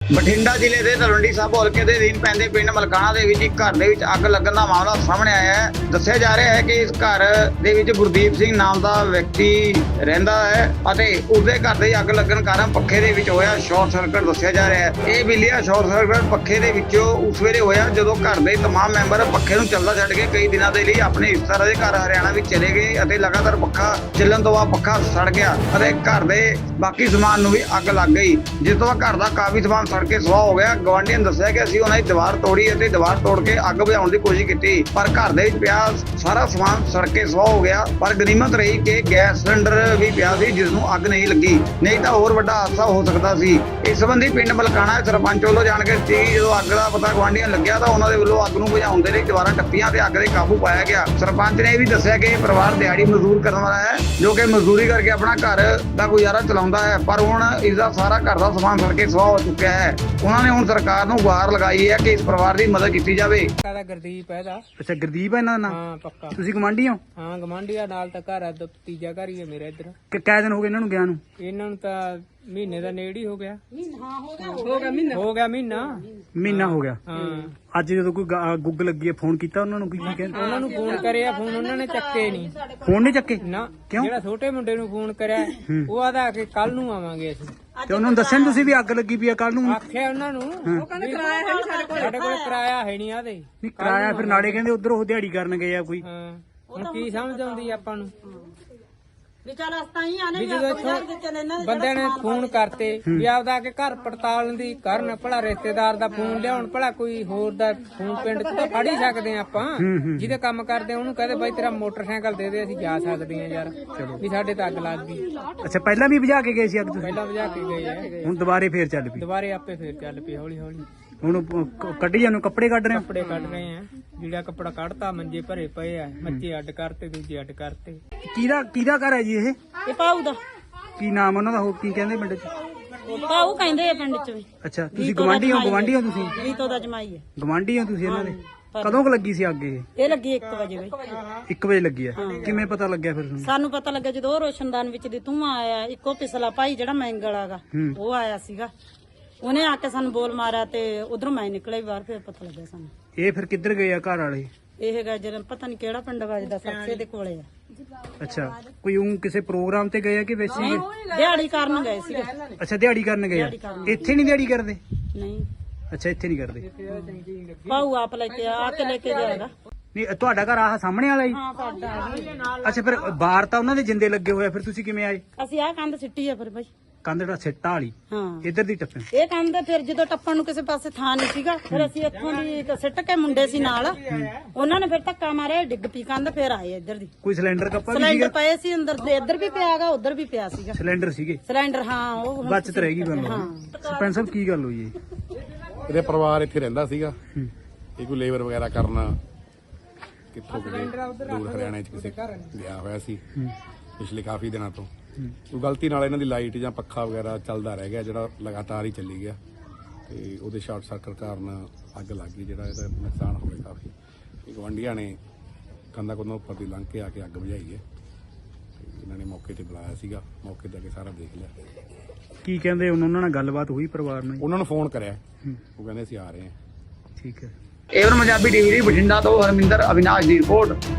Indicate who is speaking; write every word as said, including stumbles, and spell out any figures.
Speaker 1: ਬਠਿੰਡਾ ਜ਼ਿਲ੍ਹੇ ਦੇ ਤਲਵੰਡੀ ਸਾਬੋ ਹਲਕੇ ਦੇ ਅਧੀਨ ਪੈਂਦੇ ਪਿੰਡ ਮਲਕਾਣਾ ਦੇ ਵਿੱਚ ਇੱਕ ਘਰ ਦੇ ਵਿੱਚ ਅੱਗ ਲੱਗਣ ਦਾ ਮਾਮਲਾ ਸਾਹਮਣੇ ਆਇਆ ਹੈ। ਦੱਸਿਆ ਜਾ ਰਿਹਾ ਹੈ ਕਿ ਇਸ ਘਰ ਦੇ ਵਿੱਚ ਗੁਰਦੀਪ ਸਿੰਘ ਨਾਮ ਦਾ ਵਿਅਕਤੀ ਰਹਿੰਦਾ ਹੈ ਅਤੇ ਉਸਦੇ ਘਰ ਦੇ ਅੱਗ ਲੱਗਣ ਕਾਰਨ ਪੱਖੇ ਦੇ ਵਿੱਚ ਹੋਇਆ ਸ਼ਾਰਟ ਸਰਕਟ ਦੱਸਿਆ ਜਾ ਰਿਹਾ ਹੈ। ਇਹ ਬਿੱਲੀਆ ਸ਼ਾਰਟ ਸਰਕਟ ਪੱਖੇ ਦੇ ਵਿੱਚੋਂ ਉਸ ਵੇਲੇ ਹੋਇਆ ਜਦੋਂ ਘਰ ਦੇ तमाम ਮੈਂਬਰ ਪੱਖੇ ਨੂੰ ਚੱਲਦਾ ਛੱਡ ਕੇ ਕਈ ਦਿਨਾਂ ਦੇ ਲਈ ਆਪਣੇ ਰਿਸ਼ਤੇਦਾਰਾਂ ਦੇ ਘਰ ਹਰਿਆਣਾ ਵਿੱਚ ਚਲੇ ਗਏ ਅਤੇ ਲਗਾਤਾਰ ਪੱਖਾ ਚੱਲਣ ਤੋਂ ਬਾਅਦ ਪੱਖਾ ਸੜ ਗਿਆ ਅਤੇ ਘਰ ਦੇ ਬਾਕੀ ਸਮਾਨ ਨੂੰ ਵੀ ਅੱਗ ਲੱਗ ਗਈ, ਜਿਸ ਤੋਂ ਬਾਅਦ ਘਰ ਦਾ ਕਾਫੀ ਸਮਾਨ ਸੜ ਕੇ ਸੁਆਹ ਹੋ ਗਿਆ। ਗਵਾਂਢੀਆਂ ਨੇ ਦੱਸਿਆ ਕਿ ਅਸੀਂ ਉਹਨਾਂ ਦੀ ਦੀਵਾਰ ਤੋੜੀ ਅਤੇ ਦੀਵਾਰ ਤੋੜ ਕੇ ਅੱਗ ਬੁਝਾਉਣ ਦੀ ਕੋਸ਼ਿਸ਼ ਕੀਤੀ, ਪਰ ਘਰ ਦੇ ਵਿੱਚ ਪਿਆ ਸਾਰਾ ਸਮਾਨ ਸੜ ਕੇ ਸੁਆਹ ਹੋ ਗਿਆ। ਪਰ ਗਨੀਮਤ ਰਹੀ ਕਿ ਗੈਸ ਸਿਲੰਡਰ ਵੀ ਪਿਆ ਸੀ ਜਿਸ ਨੂੰ ਅੱਗ ਨਹੀਂ ਲੱਗੀ, ਨਹੀਂ ਤਾਂ ਹੋਰ ਵੱਡਾ ਹਾਦਸਾ ਹੋ ਸਕਦਾ ਸੀ। ਇਸ ਸੰਬੰਧੀ ਪਿੰਡ ਮਲਕਾਣਾ ਸਰਪੰਚ ਵੱਲੋਂ ਜਾਣਕਾਰੀ ਦਿੱਤੀ। ਜਦੋਂ ਅੱਗ ਦਾ ਪਤਾ ਗਵਾਂਢੀਆਂ ਲੱਗਿਆ ਤਾਂ ਉਹਨਾਂ ਦੇ ਵੱਲੋਂ ਅੱਗ ਨੂੰ ਬੁਝਾਉਣ ਦੇ ਲਈ ਦੀਵਾਰਾਂ ਟੱਪੀਆਂ ਤੇ ਅੱਗ ਦੇ ਕਾਬੂ ਪਾਇਆ ਗਿਆ। ਸਰਪੰਚ ਨੇ ਇਹ ਵੀ ਦੱਸਿਆ ਕਿ ਪਰਿਵਾਰ ਦਿਹਾੜੀ ਮਜ਼ਦੂਰ ਕਰਨ ਵਾਲਾ ਹੈ ਜੋ ਕਿ ਮਜ਼ਦੂਰੀ ਕਰਕੇ ਆਪਣਾ ਘਰ ਦਾ ਗੁਜ਼ਾਰਾ ਚਲਾਉਂਦਾ ਹੈ, ਪਰ ਹੁਣ ਇਸ ਦਾ ਸਾਰਾ ਘਰ ਦਾ ਸਮਾਨ ਸੜ ਕੇ ਸੁਆਹ ਹੋ ਚੁੱਕਿਆ ਹੈ। ਉਹਨਾਂ ਨੇ ਹੁਣ ਸਰਕਾਰ ਨੂੰ ਗੁਹਾਰ ਲਗਾਈ ਹੈ ਕਿ ਇਸ ਪਰਿਵਾਰ ਦੀ ਮਦਦ ਕੀਤੀ ਜਾਵੇ।
Speaker 2: ਦਾ ਗੁਰਦੀਪ ਹੈ ਦਾ।
Speaker 3: ਅੱਛਾ, ਗੁਰਦੀਪ ਹੈ ਇਹਨਾਂ ਦਾ ਨਾਮ?
Speaker 2: ਹਾਂ ਪੱਕਾ।
Speaker 3: ਤੁਸੀਂ ਗਵਾਂਢੀ ਹੋ?
Speaker 2: ਹਾਂ ਗਵਾਂਢੀਆ ਨਾਲ ਤਾਂ ਘਰ ਆ, ਤੀਜਾ ਘਰ ਹੀ ਹੈ ਮੇਰਾ ਇੱਧਰ।
Speaker 3: ਕਿ ਕਿੰਨੇ ਦਿਨ ਹੋ ਗਏ ਇਹਨਾਂ ਨੂੰ ਗਿਆ ਨੂੰ?
Speaker 2: ਇਹਨਾਂ ਨੂੰ ਤਾਂ ਮਹੀਨੇ ਦਾ ਨੇੜੇ ਹੀ ਹੋ ਗਿਆ। ਹਾਂ ਹੋ ਗਿਆ ਹੋ ਗਿਆ ਮਹੀਨਾ ਹੋ ਗਿਆ ਮਹੀਨਾ
Speaker 3: ਮਹੀਨਾ ਹੋ ਗਿਆ।
Speaker 2: ਹਾਂ
Speaker 3: ਅੱਜ ਜਦੋਂ ਕੋਈ ਗ- ਗੁੱਗ ਲੱਗੀ ਹੈ ਫੋਨ ਕੀਤਾ ਉਹਨਾਂ ਨੂੰ? ਕੀ ਕਹਿੰਦੇ?
Speaker 2: ਉਹਨਾਂ ਨੂੰ ਫੋਨ ਕਰਿਆ, ਫੋਨ ਉਹਨਾਂ ਨੇ ਚੱਕੇ ਨਹੀਂ।
Speaker 3: ਫੋਨ ਨਹੀਂ ਚੱਕੇ?
Speaker 2: ਨਾ
Speaker 3: ਕਿਉਂ?
Speaker 2: ਜਿਹੜਾ ਛੋਟੇ ਮੁੰਡੇ ਨੂੰ ਫੋਨ ਕਰਿਆ ਉਹ ਆਦਾ ਕਿ ਕੱਲ ਨੂੰ ਆਵਾਂਗੇ ਅਸੀਂ।
Speaker 3: ਤੇ ਉਹਨਾਂ ਨੂੰ ਦੱਸਿਆ ਨੀ ਤੁਸੀਂ ਵੀ ਅੱਗ ਲੱਗੀ ਪਈ ਆ ਕੱਲ ਨੂੰ?
Speaker 2: ਆਖਿਆ ਉਹਨਾਂ ਨੂੰ, ਉਹ ਕਹਿੰਦੇ ਕਿਰਾਇਆ ਹੈ ਨਹੀਂ ਸਾਡੇ ਕੋਲ। ਸਾਡੇ ਕੋਲ ਕਿਰਾਇਆ ਹੈ ਨਹੀਂ ਆਦੇ।
Speaker 3: ਨਹੀਂ ਕਿਰਾਇਆ ਫਿਰ ਨਾਲੇ ਕਹਿੰਦੇ ਉਧਰ ਉਹ ਦਿਹਾੜੀ ਕਰਨ ਗਏ ਆ ਕੋਈ।
Speaker 2: ਹਾਂ ਹੁਣ ਕੀ ਸਮਝ ਆਉਂਦੀ ਆਪਾਂ ਨੂੰ
Speaker 4: ਵੀ ਚੱਲ ਅਸਤਾ ਹੀ ਆਨੇ
Speaker 2: ਵੀ ਜਦੋਂ ਇੱਥੋਂ ਬੰਦੇ ਨੇ ਫੋਨ ਕਰਤੇ ਵੀ ਆਪਦਾ ਆ ਕੇ ਘਰ ਪੜਤਾਲ ਦੀ ਕਰਨ, ਭਲਾ ਰਿਸ਼ਤੇਦਾਰ ਦਾ ਫੋਨ ਲਿਆਉਣ, ਭਲਾ ਕੋਈ ਹੋਰ ਦਾ ਫੋਨ ਪਿੰਡ ਚ ਤਾਂ ਫੜ ਹੀ ਸਕਦੇ ਆ ਆਪਾਂ। ਜਿਹਦੇ ਕੰਮ ਕਰਦੇ ਆ ਉਹਨੂੰ ਕਹਦੇ ਬਾਈ ਤੇਰਾ ਮੋਟਰਸਾਈਕਲ ਦੇ ਦੇ, ਅਸੀਂ ਜਾ ਸਕਦੇ ਆ ਯਾਰ, ਵੀ ਸਾਡੇ ਤਾਂ ਅੱਗ ਲੱਗ ਗਈ।
Speaker 3: ਅੱਛਾ, ਪਹਿਲਾਂ ਵੀ ਬੁਝਾ ਕੇ ਗਏ ਸੀ ਅੱਗ ਤੁਸੀਂ?
Speaker 2: ਪਹਿਲਾਂ ਵਜਾ ਕੇ ਗਏ ਆ,
Speaker 3: ਹੁਣ ਦੁਬਾਰੇ ਫੇਰ ਚੱਲ ਪਈ?
Speaker 2: ਦੁਬਾਰੇ ਆਪੇ ਫੇਰ ਚੱਲ ਪਈ ਹੌਲੀ ਹੌਲੀ।
Speaker 3: ਹੁਣ ਕ- ਕੱਢੀ ਜਾਨੂੰ ਕੱਪੜੇ ਕੱਢ ਰਹੇ ਹੋ?
Speaker 2: ਕੱਪੜੇ ਕੱਢ ਰਹੇ ਆ, ਜਿਹੜਾ ਕੱਪੜਾ ਕੱਢਤਾ ਮੰਜੇ ਭਰੇ ਪਏ ਆ, ਮੱਚੇ ਅੱਡ ਕਰਤੇ, ਦੂਜੇ ਅੱਡ ਕਰਤੇ।
Speaker 3: ਕਿਹਦਾ ਕਿਹਦਾ ਘਰ ਹੈ ਜੀ ਇਹ?
Speaker 4: ਇਹ ਪਾਉ ਦਾ।
Speaker 3: ਕੀ ਨਾਮ ਉਹਨਾਂ ਦਾ? ਹੋਰ ਕੀ ਕਹਿੰਦੇ ਪਿੰਡ ਚ?
Speaker 4: ਪਾਉ ਕਹਿੰਦੇ ਆ ਪਿੰਡ ਚ ਵੀ।
Speaker 3: ਅੱਛਾ, ਤੁਸੀਂ ਗਵਾਂਢੀ ਹੋ? ਗਵਾਂਢੀ ਹੋ ਤੁਸੀਂ?
Speaker 4: ਰੀਤੋ ਦਾ ਜਮਾਈ ਹੈ।
Speaker 3: ਗਵਾਂਢੀ ਹੋ ਤੁਸੀਂ ਇਹਨਾਂ ਦੇ? ਕਦੋਂ ਕੁ ਲੱਗੀ ਸੀ ਅੱਗ ਇਹ?
Speaker 4: ਇਹ ਲੱਗੀ ਇੱਕ ਵਜੇ ਬਈ।
Speaker 3: ਇੱਕ ਵਜੇ ਲੱਗੀ ਹੈ। ਕਿਵੇਂ ਪਤਾ ਲੱਗਿਆ ਫਿਰ ਤੁਹਾਨੂੰ?
Speaker 4: ਸਾਨੂੰ ਪਤਾ ਲੱਗਾ ਜਦੋਂ ਉਹ ਰੋਸ਼ਨਦਾਨ ਵਿੱਚ ਦੀ ਧੂੰਆਂ ਆਇਆ, ਇੱਕੋ ਪਿਛਲਾ ਭਾਈ ਜਿਹੜਾ ਮੈਂਗਲ ਆਗਾ ਉਹ ਆਇਆ ਸੀਗਾ, ਉਹਨੇ ਆ ਕੇ ਸਾਨੂੰ ਬੋਲ ਮਾਰਿਆ ਤੇ ਉਧਰੋਂ ਮੈਂ ਨਿਕਲਿਆ ਬਾਹਰ, ਫਿਰ ਪਤਾ ਲੱਗਿਆ ਸਾਨੂੰ।
Speaker 3: ਇਹ ਫਿਰ ਕਿੱਧਰ ਗਏ ਆ ਘਰ ਵਾਲੇ?
Speaker 4: ਇਹ ਹੈਗਾ ਜਿਹੜਾ ਪਤਾ ਨਹੀਂ ਕਿਹੜਾ ਪਿੰਡ ਵੱਜਦਾ, ਸਰਸੇ ਦੇ ਕੋਲੇ ਆ।
Speaker 3: ਅੱਛਾ, ਕੋਈ ਉਹ ਕਿਸੇ ਪ੍ਰੋਗਰਾਮ ਤੇ ਗਏ ਆ ਕਿ ਵੈਸੇ ਹੀ?
Speaker 4: ਦਿਹਾੜੀ ਕਰਨ ਗਏ ਸੀਗੇ।
Speaker 3: ਅੱਛਾ, ਦਿਹਾੜੀ ਕਰਨ ਗਏ ਆ। ਇੱਥੇ ਨਹੀਂ ਦਿਹਾੜੀ ਕਰਦੇ?
Speaker 4: ਨਹੀਂ
Speaker 3: ਅੱਛਾ, ਇੱਥੇ ਨਹੀਂ ਕਰਦੇ।
Speaker 4: ਪਾਉ ਆਪ ਲੈ ਕੇ ਆ ਕੇ ਲੈ ਕੇ ਜਾਏਗਾ।
Speaker 3: ਨਹੀਂ, ਤੁਹਾਡਾ ਘਰ ਆਹ ਸਾਹਮਣੇ ਵਾਲਾ ਹੀ?
Speaker 4: ਹਾਂ ਸਾਡਾ।
Speaker 3: ਅੱਛਾ, ਫਿਰ ਬਾਹਰ ਤਾਂ ਉਹਨਾਂ ਦੇ ਜਿੰਦੇ ਲੱਗੇ ਹੋਏ ਆ, ਫਿਰ ਤੁਸੀਂ ਕਿਵੇਂ ਆਏ?
Speaker 4: ਅਸੀਂ ਆਹ ਕੰਧ ਸਿੱਟੀ ਆ ਫਿਰ ਬਈ।
Speaker 3: ਕੰਧ ਦਾ ਸਿੱਟਾ ਵਾਲੀ
Speaker 4: ਹਾਂ
Speaker 3: ਇੱਧਰ ਦੀ ਟੱਪੇ?
Speaker 4: ਇਹ ਕੰਧ ਫਿਰ ਜਦੋਂ ਟੱਪਣ ਨੂੰ ਕਿਸੇ ਪਾਸੇ ਥਾਂ ਨਹੀਂ ਸੀਗਾ, ਫਿਰ ਅਸੀਂ ਇੱਥੋਂ ਦੀ ਇੱਕ ਸਿੱਟ ਕੇ ਮੁੰਡੇ ਸੀ ਨਾਲ, ਉਹਨਾਂ ਨੇ ਫਿਰ ਧੱਕਾ ਮਾਰਿਆ, ਡਿੱਗ ਪਈ ਕੰਧ, ਫਿਰ ਆਏ ਇੱਧਰ ਦੀ।
Speaker 3: ਕੋਈ ਸਿਲੰਡਰ ਕੱਪਾ ਵੀ
Speaker 4: ਸਿਲੰਡਰ
Speaker 3: ਸੀਗਾ?
Speaker 4: ਪਏ ਸੀ ਅੰਦਰ ਦੇ, ਇੱਧਰ ਵੀ ਪਿਆਗਾ, ਉੱਧਰ ਵੀ ਪਿਆ ਸੀਗਾ
Speaker 3: ਸਿਲੰਡਰ ਸੀਗੇ?
Speaker 4: ਸਿਲੰਡਰ। ਹਾਂ ਉਹ ਹੁਣ
Speaker 3: ਬਚਤ ਰਹੇਗੀ ਬੰਦਾ। ਸਰਪੰਚ ਸਾਹਿਬ ਕੀ ਗੱਲ ਹੋਈ ਹੈ?
Speaker 5: ਇਹਦੇ ਪਰਿਵਾਰ ਇੱਥੇ ਰਹਿੰਦਾ ਸੀਗਾ, ਇਹ ਕੋਈ ਲੇਬਰ ਵਗੈਰਾ ਕਰਨਾ ਕਿੱਥੋਂ ਕਿਤੇ ਦੂਰ ਹਰਿਆਣੇ ਚ ਕਿਸੇ ਗਿਆ ਹੋਇਆ ਸੀ ਪਿਛਲੇ ਕਾਫੀ ਦਿਨਾਂ ਤੋਂ। ਕੋਈ ਗਲਤੀ ਨਾਲ ਇਹਨਾਂ ਦੀ ਲਾਈਟ ਜਾਂ ਪੱਖਾ ਵਗੈਰਾ ਚੱਲਦਾ ਰਹਿ ਗਿਆ, ਜਿਹੜਾ ਲਗਾਤਾਰ ਹੀ ਚੱਲੀ ਗਿਆ ਤੇ ਉਹਦੇ ਸ਼ਾਰਟ ਸਰਕਟ ਕਾਰਨ ਅੱਗ ਲੱਗ ਗਈ, ਜਿਹੜਾ ਇਹਦਾ ਨੁਕਸਾਨ ਹੋ ਗਿਆ ਕਾਫੀ। ਗਵਾਂਢੀਆਂ ਨੇ ਕੰਧਾਂ ਕੋਲੋਂ ਉੱਪਰ ਦੀ ਲੰਘ ਕੇ ਆ ਕੇ ਅੱਗ ਬੁਝਾਈ ਹੈ ਤੇ ਇਹਨਾਂ ਨੇ ਮੌਕੇ ਤੇ ਬੁਲਾਇਆ ਸੀਗਾ, ਮੌਕੇ ਤੇ ਆ ਕੇ ਸਾਰਾ ਦੇਖ ਲਿਆ।
Speaker 3: ਕੀ ਕਹਿੰਦੇ ਹੁਣ? ਉਹਨਾਂ ਨਾਲ ਗੱਲਬਾਤ ਹੋਈ ਪਰਿਵਾਰ ਨਾਲ?
Speaker 5: ਉਹਨਾਂ ਨੂੰ ਫੋਨ ਕਰਿਆ, ਉਹ ਕਹਿੰਦੇ ਅਸੀਂ ਆ ਰਹੇ ਹਾਂ।
Speaker 3: ਠੀਕ ਹੈ।
Speaker 1: ਏਵਨ ਪੰਜਾਬੀ ਟੀਵੀ ਲਈ ਬਠਿੰਡਾ ਤੋਂ ਹਰਮਿੰਦਰ ਅਵਿਨਾਸ਼ ਦੀ ਰਿਪੋਰਟ।